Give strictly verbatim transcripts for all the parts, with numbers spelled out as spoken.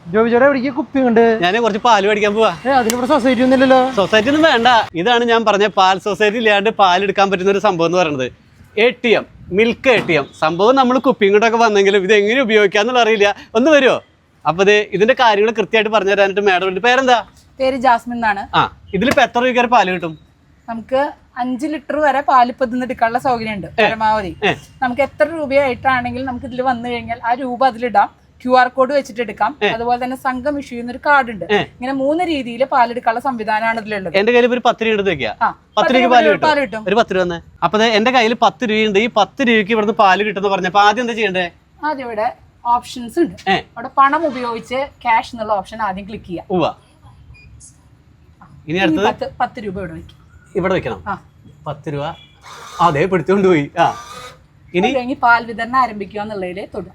ജോബിച്ചേട്ടാ എവിടേക്ക് കുപ്പി ഉണ്ട്? ഞാൻ കുറച്ച് പാല് മേടിക്കാൻ പോവാ. അതിനിവിടെ സൊസൈറ്റി ഒന്നുമില്ലല്ലോ. സൊസൈറ്റി ഒന്നും വേണ്ട. ഇതാണ് ഞാൻ പറഞ്ഞ പാൽ സൊസൈറ്റി ഇല്ലാണ്ട് പാൽ എടുക്കാൻ പറ്റുന്ന ഒരു സംഭവം എന്ന് പറയുന്നത്. A T M, milk A T M സംഭവം. നമ്മൾ കുപ്പിയും കൊണ്ടൊക്കെ വന്നെങ്കിലും ഇത് എങ്ങനെ ഉപയോഗിക്കാന്നുള്ള അറിയില്ല. ഒന്ന് വരുമോ? അപ്പൊ ഇത് ഇതിന്റെ കാര്യങ്ങൾ കൃത്യമായിട്ട് പറഞ്ഞു തരാനായിട്ട് മാഡം. പേരെന്താ? പേര് ജാസ്മിൻ എന്നാണ്. ആ, ഇതിലിപ്പോ എത്ര രൂപ പാല് കിട്ടും? നമുക്ക് അഞ്ച് ലിറ്റർ വരെ പാല് ഇപ്പൊ ഇതിന്ന് എടുക്കാനുള്ള സൗകര്യം ഉണ്ട് പരമാവധി. നമുക്ക് എത്ര രൂപയായിട്ടാണെങ്കിലും നമുക്ക് ഇതിൽ വന്നു കഴിഞ്ഞാൽ ആ രൂപ അതിലിടാം. ക്യു ആർ കോഡ് വെച്ചിട്ട് എടുക്കാം. അതുപോലെ തന്നെ സംഘം ഇഷ്യൂ ചെയ്യുന്ന ഒരു കാർഡ് ഉണ്ട്. ഇങ്ങനെ മൂന്ന് രീതിയിൽ പാലെടുക്കാനുള്ള സംവിധാനമാണ് ഇതിലുള്ളത്. എന്റെ കയ്യിൽ ഒരു പത്ത് രൂപ എടുത്ത് വെക്കാം. പത്ത് രൂപ പാല് കിട്ടും. ഒരു പത്ത് രൂപ തന്നെ. അപ്പൊ എന്റെ കയ്യിൽ പത്ത് രൂപയുണ്ട്. ഈ പത്ത് രൂപയ്ക്ക് ഇവിടുന്ന് പാല് കിട്ടുന്ന പറഞ്ഞപ്പോ ആദ്യം എന്താ ചെയ്യണ്ടേ? ആദ്യം ഇവിടെ ഓപ്ഷൻസ് ഉണ്ട്. അവിടെ പണം ഉപയോഗിച്ച് ക്യാഷ് എന്നുള്ള ഓപ്ഷൻ ആദ്യം ക്ലിക്ക് ചെയ്യാം. ഇനി അടുത്തത് പത്ത് രൂപ ഇവിടെ വെക്കും. ഇവിടെ വെക്കണം. പത്ത് രൂപ അതെ പിടിച്ചോണ്ട് പോയി. ആ, ഇനി കഴിഞ്ഞ് പാൽ വിതരണം ആരംഭിക്കുക എന്നുള്ളതിൽ തൊടും.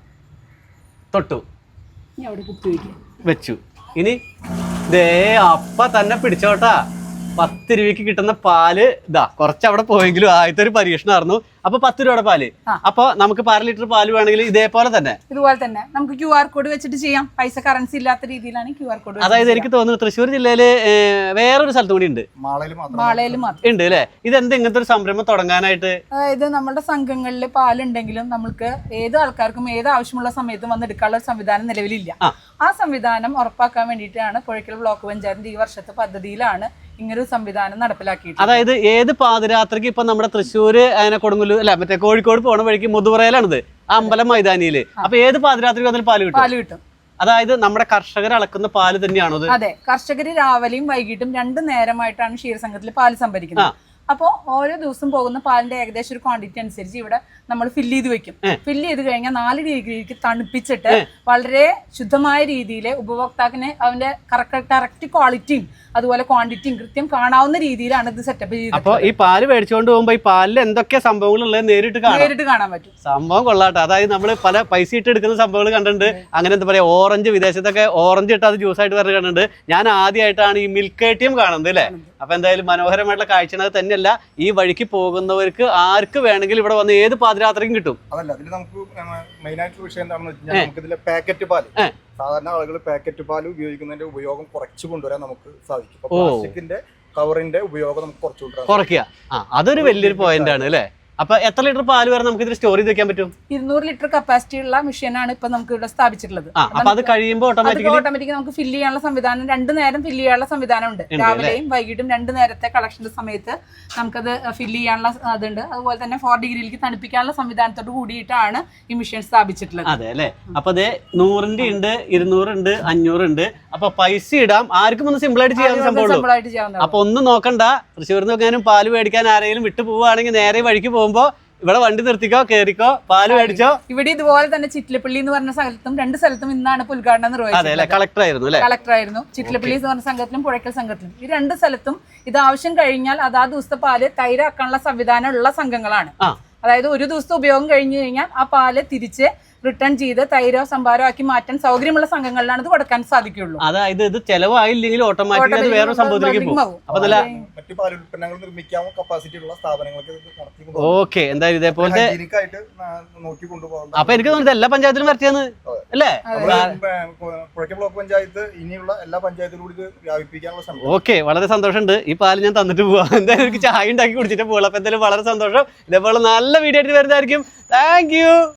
തൊട്ടു ഇനി അവിടെ കുത്തി വയ്ക്കുക. വെച്ചു. ഇനി ദേ അപ്പ തന്നെ പിടിച്ചോട്ടാ. പത്ത് രൂപയ്ക്ക് കിട്ടുന്ന പാല് ഇതാ. കുറച്ച് അവിടെ പോയെങ്കിലും ആദ്യത്തെ ഒരു പരീക്ഷണമായിരുന്നു. അപ്പൊ പത്ത് രൂപയുടെ പാല്. അപ്പൊ നമുക്ക് അര ലിറ്റർ പാല് വേണമെങ്കിൽ ഇതേപോലെ തന്നെ ഇതുപോലെ തന്നെ നമുക്ക് ക്യു ആർ കോഡ് വെച്ചിട്ട് ചെയ്യാം. പൈസ കറൻസി ഇല്ലാത്ത രീതിയിലാണ് ക്യു ആർ കോഡ്. അതായത് എനിക്ക് തോന്നുന്നു തൃശ്ശൂർ ജില്ലയില് വേറൊരു സ്ഥലത്തും കൂടി ഉണ്ട്. മാളയിൽ മാത്രം ഉണ്ട് അല്ലെ? ഇതെന്ത് ഇങ്ങനത്തെ ഒരു സംരംഭം തുടങ്ങാനായിട്ട്? അതായത് നമ്മുടെ സംഘങ്ങളിൽ പാലുണ്ടെങ്കിലും നമുക്ക് ഏത് ആൾക്കാർക്കും ഏത് ആവശ്യമുള്ള സമയത്തും വന്ന് എടുക്കാനുള്ള ഒരു സംവിധാനം നിലവിലില്ല. ആ സംവിധാനം ഉറപ്പാക്കാൻ വേണ്ടിയിട്ടാണ് പുഴയ്ക്കൽ ബ്ലോക്ക് പഞ്ചായത്തിന്റെ ഈ വർഷത്തെ പദ്ധതിയിലാണ് ഇങ്ങനൊരു സംവിധാനം നടപ്പിലാക്കിയിട്ട്. അതായത് ഏത് പാതിരാത്രിക്ക് ഇപ്പൊ നമ്മുടെ തൃശ്ശൂര് അതിനെ കൊടുങ്ങല്ലൂർ അല്ല മറ്റേ കോഴിക്കോട് പോണ വഴിക്ക് മുതുവറയിലാണിത്, അമ്പലം മൈതാനിയില്. അപ്പൊ ഏത് പാതിരാത്രിക്ക് വന്നാലും പാല് കിട്ടും. പാല് കിട്ടും. അതായത് നമ്മുടെ കർഷകർ അളക്കുന്ന പാല് തന്നെയാണോ? അതെ, കർഷകര് രാവിലെയും വൈകിട്ടും രണ്ടു നേരമായിട്ടാണ് ക്ഷീരസംഘത്തിൽ പാല് സംഭരിക്കുന്നത്. അപ്പോൾ ഓരോ ദിവസം പോകുന്ന പാലിന്റെ ഏകദേശം ഒരു ക്വാണ്ടിറ്റി അനുസരിച്ച് ഇവിടെ നമ്മൾ ഫില്ല് ചെയ്ത് വെക്കും. ഫില്ല് ചെയ്ത് കഴിഞ്ഞാൽ നാല് ഡിഗ്രിക്ക് തണുപ്പിച്ചിട്ട് വളരെ ശുദ്ധമായ രീതിയിൽ ഉപഭോക്താക്കിന് അവന്റെ കറക്റ്റ് ക്വാളിറ്റിയും അതുപോലെ ക്വാണ്ടിറ്റിയും കൃത്യം കാണാവുന്ന രീതിയിലാണ് ഇത് സെറ്റപ്പ് ചെയ്തത്. അപ്പൊ ഈ പാല് മേടിച്ചുകൊണ്ട് പോകുമ്പോ ഈ പാലിൽ എന്തൊക്കെ സംഭവങ്ങൾ ഉള്ളത് നേരിട്ട് നേരിട്ട് കാണാൻ പറ്റും. സംഭവം കൊള്ളാട്ടെ. അതായത് നമ്മൾ പല പൈസ ഇട്ട് എടുക്കുന്ന സംഭവങ്ങൾ കണ്ടിട്ടുണ്ട്. അങ്ങനെ എന്താ പറയാ, ഓറഞ്ച് വിദേശത്തൊക്കെ ഓറഞ്ച് ഇട്ട് അത് ജ്യൂസ് ആയിട്ട് പറഞ്ഞ് കണ്ടിട്ടുണ്ട്. ഞാൻ ആദ്യമായിട്ടാണ് ഈ മിൽക്ക് എ ടി എം കാണുന്നത് അല്ലേ. അപ്പൊ എന്തായാലും മനോഹരമായിട്ടുള്ള കാഴ്ച തന്നെയല്ല. ഈ വഴിക്ക് പോകുന്നവർക്ക് ആർക്ക് വേണമെങ്കിലും ഇവിടെ വന്ന് ഏത് പാതിരാത്രിക്കും കിട്ടും. അതല്ല, ഇതിൽ നമുക്ക് മെയിൻ ആയിട്ടുള്ള വിഷയം എന്താണെന്ന് വെച്ചാൽ നമുക്ക് ഇതിലെ പാക്കറ്റ് പാല്, സാധാരണ ആളുകൾ പാക്കറ്റ് പാല് ഉപയോഗിക്കുന്നതിന്റെ ഉപയോഗം കുറച്ച് കൊണ്ടുവരാൻ നമുക്ക് സാധിക്കും. പ്ലാസ്റ്റിക്കിന്റെ കവറിന്റെ ഉപയോഗം നമുക്ക് കുറച്ച് കുറയ്ക്കുക. ആ, അതൊരു വലിയൊരു പോയിന്റ് ആണ് അല്ലേ. അപ്പൊ എത്ര ലിറ്റർ പാല് വരെ നമുക്ക് ഇതിൽ സ്റ്റോർ ചെയ്ത് വെക്കാൻ പറ്റും? ഇരുന്നൂറ് ലിറ്റർ കപ്പാസിറ്റി ഉള്ള മെഷീനാണ് ഇപ്പൊ നമുക്ക് ഇവിടെ സ്ഥാപിച്ചിട്ടുള്ളത്. അപ്പൊ അത് കഴിയുമ്പോൾ ഓട്ടോമാറ്റിക് നമുക്ക് ഫില്ല് ചെയ്യാനുള്ള സംവിധാനം, രണ്ടു നേരം ഫില്ല് ചെയ്യാനുള്ള സംവിധാനം ഉണ്ട്. രാവിലെയും വൈകിട്ടും രണ്ടു നേരത്തെ കളക്ഷന്റെ സമയത്ത് നമുക്കത് ഫില്ല് ചെയ്യാനുള്ള അതുണ്ട്. അതുപോലെ തന്നെ ഫോർ ഡിഗ്രിയിലേക്ക് തണുപ്പിക്കാനുള്ള സംവിധാനത്തോട് കൂടിയിട്ടാണ് ഈ മെഷീൻ സ്ഥാപിച്ചിട്ടുള്ളത്. അതെ അല്ലെ. അപ്പൊ അതെ നൂറിന്റെ ഉണ്ട്, ഇരുന്നൂറുണ്ട്, അഞ്ഞൂറുണ്ട്. അപ്പൊ പൈസ ഇടാം. ആർക്കും ഒന്ന് സിമ്പിൾ ആയിട്ട് ചെയ്യാൻ സംഭവം. അപ്പൊ ഒന്നും നോക്കണ്ട. തൃശ്ശൂരിൽ നിന്നൊക്കെയാനും പാല് മേടിക്കാൻ ആരെങ്കിലും വിട്ടു പോവുകയാണെങ്കിൽ നേരെ വഴിക്ക് പോകുമ്പോ ഇവിടെ വണ്ടി നിർത്തിക്കോ, കേറിക്കോ, പാല് മേടിച്ചോ. ഇവിടെ ഇതുപോലെ തന്നെ ചിറ്റിലപ്പള്ളി എന്ന് പറഞ്ഞ സ്ഥലത്തും രണ്ട് സ്ഥലത്തും ഇന്നാണ് ഉദ്ഘാടനം നിർവഹിച്ചത്. കളക്ടർ ആയിരുന്നു കളക്ടർ ആയിരുന്നു. ചിറ്റിലപ്പള്ളി എന്ന് പറഞ്ഞ സംഘത്തിലും പുഴയ്ക്കൽ സംഘത്തിലും ഈ രണ്ട് സ്ഥലത്തും ഇത് ആവശ്യം കഴിഞ്ഞാൽ അതാ ദിവസത്തെ പാല് തൈരാക്കാനുള്ള സംവിധാനം ഉള്ള സംഘങ്ങളാണ്. അതായത് ഒരു ദിവസത്തെ ഉപയോഗം കഴിഞ്ഞു കഴിഞ്ഞാൽ ആ പാല് തിരിച്ച് റിട്ടേൺ ചെയ്ത് തൈരോ സംഭാരോ ആക്കി മാറ്റാൻ സൗകര്യമുള്ള സംഘങ്ങളിലാണ് ഇത് കൊടുക്കാൻ സാധിക്കുള്ളൂ. അതായത് ഇത് ചെലവായില്ലെങ്കിൽ ഓട്ടോമാറ്റിക്കലി വേറെ സംഭവത്തിലേക്ക് പോകും. മറ്റു പാൽ ഉൽപ്പന്നങ്ങൾ നിർമ്മിക്കാവുന്ന കപ്പാസിറ്റി ഉള്ള സ്ഥാപനങ്ങൾക്ക്. ഓക്കെ, എന്തായാലും ഇതേപോലത്തെ അപ്പൊ എനിക്ക് തോന്നുന്നത് എല്ലാ പഞ്ചായത്തിലും വരച്ചെന്ന് അല്ലേ. പുഴയ്ക്കൽ ബ്ലോക്ക് പഞ്ചായത്ത് ഇനിയുള്ള എല്ലാ പഞ്ചായത്തിലും കൂടി വ്യാപിപ്പിക്കാനുള്ള ശ്രമം. ഓക്കെ, വളരെ സന്തോഷമുണ്ട്. ഈ പാല് ഞാൻ തന്നിട്ട് പോവാം. എന്തായാലും എനിക്ക് ചായ ഉണ്ടാക്കി കുടിച്ചിട്ട് പോകാം. അപ്പൊ എന്തായാലും വളരെ സന്തോഷം. ഇതേപോലെ നല്ല വീഡിയോ ആയിട്ട് വരുന്നതായിരിക്കും. Thank U.